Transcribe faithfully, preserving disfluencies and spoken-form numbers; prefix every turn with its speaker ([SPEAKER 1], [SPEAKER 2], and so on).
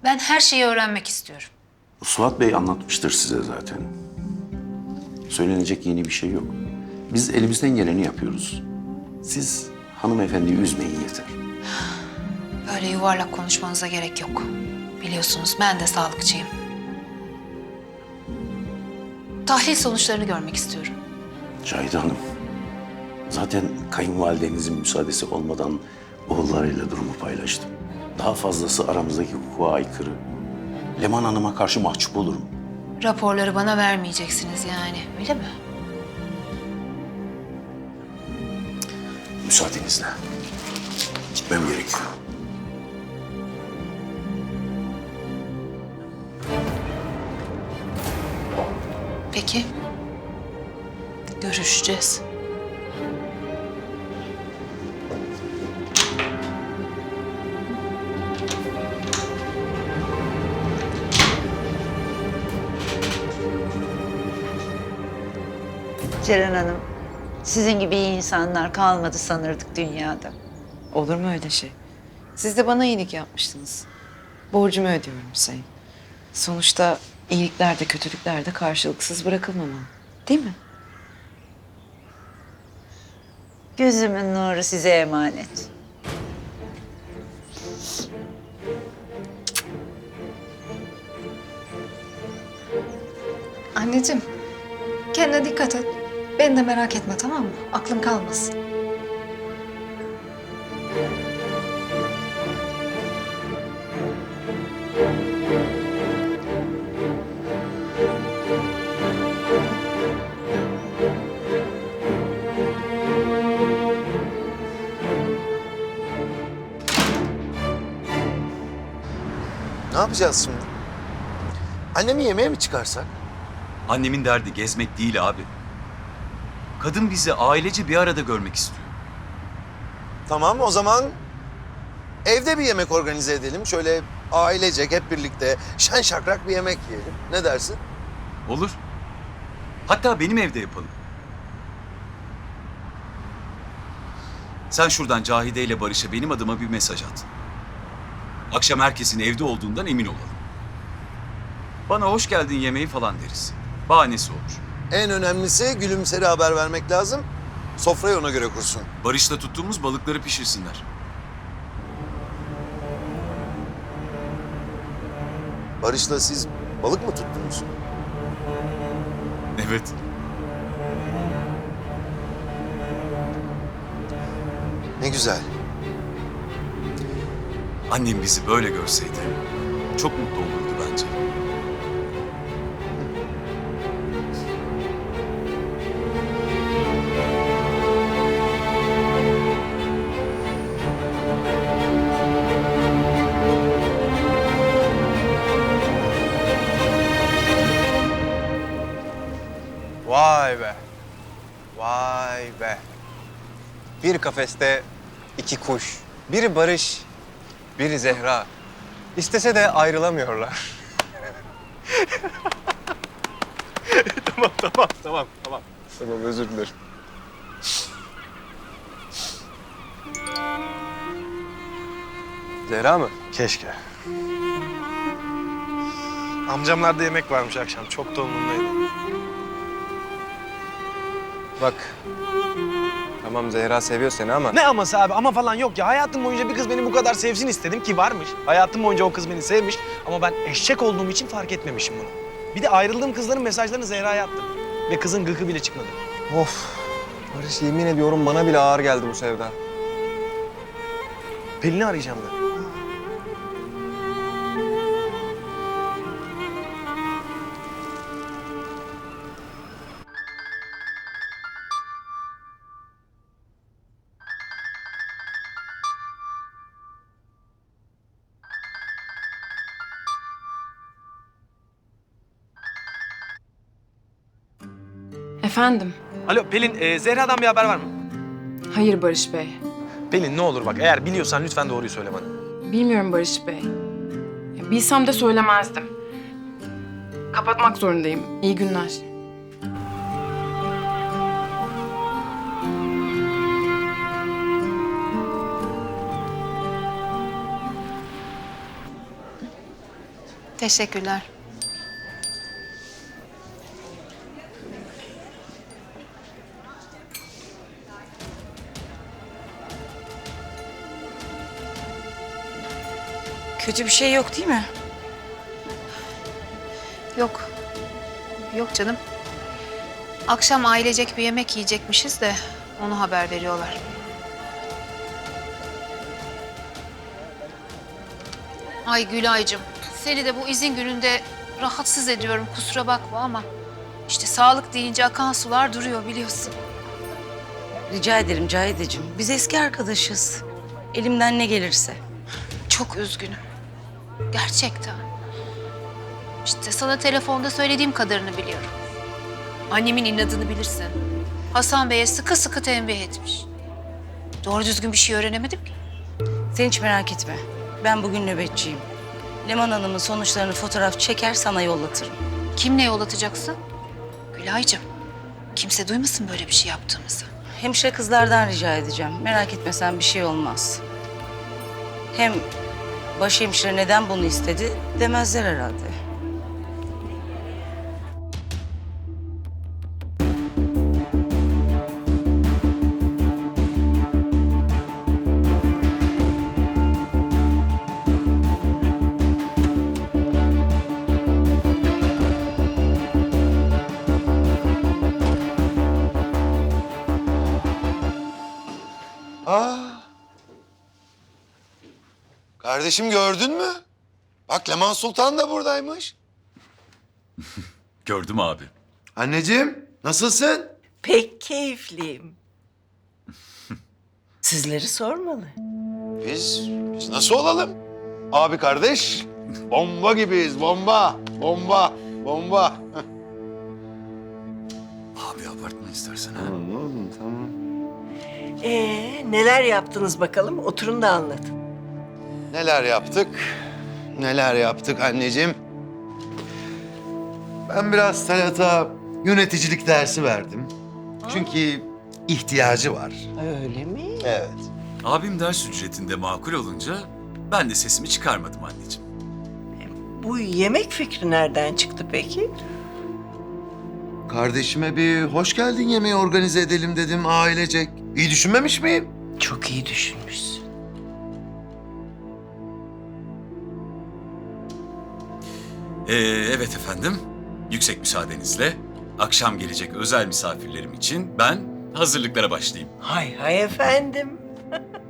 [SPEAKER 1] Ben her şeyi öğrenmek istiyorum.
[SPEAKER 2] Suat Bey anlatmıştır size zaten. Söylenecek yeni bir şey yok. Biz elimizden geleni yapıyoruz. Siz hanımefendiyi üzmeyin yeter.
[SPEAKER 1] Böyle yuvarlak konuşmanıza gerek yok. Biliyorsunuz ben de sağlıkçıyım. Tahlil sonuçlarını görmek istiyorum.
[SPEAKER 2] Cahide Hanım, zaten kayınvalidenizin müsaadesi olmadan oğullarıyla durumu paylaştım. Daha fazlası aramızdaki hukuka aykırı. Leman Hanım'a karşı mahcup olurum.
[SPEAKER 1] Raporları bana vermeyeceksiniz yani, öyle mi?
[SPEAKER 2] Müsaadenizle. Gitmem gerekiyor.
[SPEAKER 1] Peki. Görüşeceğiz.
[SPEAKER 3] Ceren Hanım, sizin gibi iyi insanlar kalmadı sanırdık dünyada.
[SPEAKER 4] Olur mu öyle şey? Siz de bana iyilik yapmıştınız. Borcumu ödüyorum Hüseyin. Sonuçta iyilikler de kötülükler de karşılıksız bırakılmamalı. Değil mi?
[SPEAKER 3] Gözümün nuru size emanet.
[SPEAKER 5] Anneciğim, kendine dikkat et. Beni de merak etme, tamam mı? Aklın kalmasın.
[SPEAKER 6] Ne yapacağız şimdi? Annemi yemeğe mi çıkarsak?
[SPEAKER 7] Annemin derdi gezmek değil abi. Kadın bizi ailece bir arada görmek istiyor.
[SPEAKER 6] Tamam, o zaman evde bir yemek organize edelim. Şöyle ailecek hep birlikte şen şakrak bir yemek yiyelim. Ne dersin?
[SPEAKER 7] Olur. Hatta benim evde yapalım. Sen şuradan Cahide ile Barış'a benim adıma bir mesaj at. Akşam herkesin evde olduğundan emin olalım. Bana hoş geldin yemeği falan deriz. Bahanesi olur.
[SPEAKER 6] En önemlisi Gülümser'e haber vermek lazım. Sofrayı ona göre kursun.
[SPEAKER 7] Barış'la tuttuğumuz balıkları pişirsinler.
[SPEAKER 6] Barış'la siz balık mı tuttunuz?
[SPEAKER 7] Evet.
[SPEAKER 6] Ne güzel.
[SPEAKER 7] Annem bizi böyle görseydi çok mutlu olurdu bence.
[SPEAKER 8] Vay be. Vay be. Bir kafeste iki kuş. Biri Barış, biri Zehra. İstese de ayrılamıyorlar. tamam, tamam, tamam, tamam. Tamam, özür dilerim. Zehra mı?
[SPEAKER 9] Keşke. Amcamlarda yemek varmış akşam. Çok da umurumdaydı.
[SPEAKER 8] Bak. Tamam, Zehra seviyor seni ama...
[SPEAKER 9] Ne aması abi? Ama falan yok ya. Hayatım boyunca bir kız beni bu kadar sevsin istedim ki varmış. Hayatım boyunca o kız beni sevmiş. Ama ben eşek olduğum için fark etmemişim bunu. Bir de ayrıldığım kızların mesajlarını Zehra'ya attım. Ve kızın gıkı bile çıkmadı.
[SPEAKER 8] Of. Barış, yemin ediyorum bana bile ağır geldi bu sevda.
[SPEAKER 9] Pelin'i arayacağım ben.
[SPEAKER 10] Efendim?
[SPEAKER 9] Alo Pelin, e, Zehra'dan bir haber var mı?
[SPEAKER 10] Hayır Barış Bey.
[SPEAKER 9] Pelin ne olur bak, eğer biliyorsan lütfen doğruyu söyle bana.
[SPEAKER 10] Bilmiyorum Barış Bey. Ya, bilsem de söylemezdim. Kapatmak zorundayım. İyi günler.
[SPEAKER 1] Teşekkürler.
[SPEAKER 4] Kötü bir şey yok değil mi?
[SPEAKER 1] Yok. Yok canım. Akşam ailecek bir yemek yiyecekmişiz de onu haber veriyorlar. Ay Gülaycığım, seni de bu izin gününde rahatsız ediyorum, kusura bakma ama işte sağlık deyince akan sular duruyor biliyorsun.
[SPEAKER 11] Rica ederim Cahideciğim. Biz eski arkadaşız. Elimden ne gelirse.
[SPEAKER 1] Çok üzgünüm. Gerçekten. İşte sana telefonda söylediğim kadarını biliyorum. Annemin inadını bilirsin. Hasan Bey'e sıkı sıkı tembih etmiş. Doğru düzgün bir şey öğrenemedim ki.
[SPEAKER 11] Sen hiç merak etme. Ben bugün nöbetçiyim. Leman Hanım'ın sonuçlarını fotoğraf çeker sana yollatırım.
[SPEAKER 1] Kimle yollatacaksın? Gülaycığım, kimse duymasın böyle bir şey yaptığımızı.
[SPEAKER 11] Hemşire kızlardan rica edeceğim. Merak etme sen, bir şey olmaz. Hem başhemşire neden bunu istedi demezler herhalde.
[SPEAKER 6] Aa. Kardeşim gördün mü? Bak Leman Sultan da buradaymış.
[SPEAKER 7] Gördüm abi.
[SPEAKER 6] Anneciğim nasılsın?
[SPEAKER 12] Pek keyifliyim. Sizleri sormalı.
[SPEAKER 6] Biz, biz nasıl olalım? Abi kardeş, bomba gibiyiz, bomba, bomba, bomba.
[SPEAKER 7] Abi abartma istersen ha.
[SPEAKER 6] Tamam, tamam.
[SPEAKER 12] Ee, neler yaptınız bakalım? Oturun da anlatın.
[SPEAKER 6] Neler yaptık, neler yaptık anneciğim. Ben biraz Talat'a yöneticilik dersi verdim. Çünkü ihtiyacı var.
[SPEAKER 12] Öyle mi?
[SPEAKER 6] Evet.
[SPEAKER 7] Abim ders ücretinde makul olunca ben de sesimi çıkarmadım anneciğim.
[SPEAKER 12] Bu yemek fikri nereden çıktı peki?
[SPEAKER 6] Kardeşime bir hoş geldin yemeği organize edelim dedim ailecek. İyi düşünmemiş miyim?
[SPEAKER 12] Çok iyi düşünmüşsün.
[SPEAKER 7] Ee, evet efendim. Yüksek müsaadenizle akşam gelecek özel misafirlerim için ben hazırlıklara başlayayım.
[SPEAKER 12] Hay hay efendim.